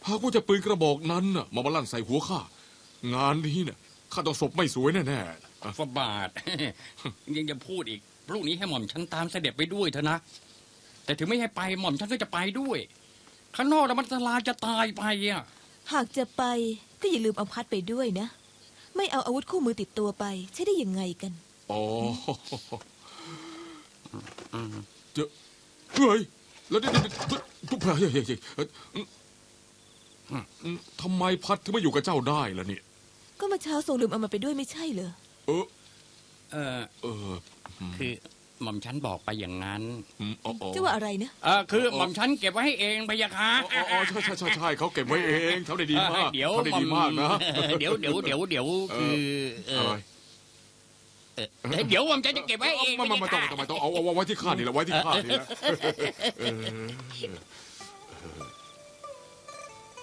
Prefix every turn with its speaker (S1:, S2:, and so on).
S1: หากว่าจะปืนกระบอกนั้นน่ะมาลั่นใส่หัวข้างานนี้เนี่ยข้าต้องศพไม่สวยแน่ๆ
S2: ฟาบาท ยังจะพูดอีกพรุ่งนี้ให้หม่อมฉันตามเสด็จไปด้วยเถอะนะแต่ถึงไม่ให้ไปหม่อมฉันก็จะไปด้วยข้างนอกแล้วมันอันตรายจะตายไปอ่ะ
S3: หากจะไปก็อย่าลืมเอาพัดไปด้วยนะ ไม่เอาอาวุธคู่มือติดตัวไปใช่ได้ยังไงกัน
S1: อ๋อเจ้าเฮ้ยแล้วนี่ทุกพระเฮ้ยทำไมพัดถึงไม่อยู่กับเจ้าได้ล่ะเนี่ย
S3: ก็เมื่อเช้าทรงลืมเอามาไปด้วยไม่ใช่เหรอ
S1: เออ
S2: เออ
S1: เออ
S2: คือหม่อมฉันบอกไปอย่างนั้น
S1: อ๋อ
S3: จะว่าอะไรนะ
S2: คือหม่อมฉันเก็บไว้ให้เองพะยะค่ะ
S1: อ๋อใช่เขาเก็บไว้เองเขาได้ดีมาก
S2: เดี๋ยว
S1: เขาได้ดีมากนะ
S2: เดี๋ยวคือ
S1: อะไร
S2: เดี๋ยวหม่อมฉันจะเก็บไว้ให้เอง
S1: ไม่ต้องเอาไว้ที่ข้านี่แหละไว้ที่ข้านี่แหละ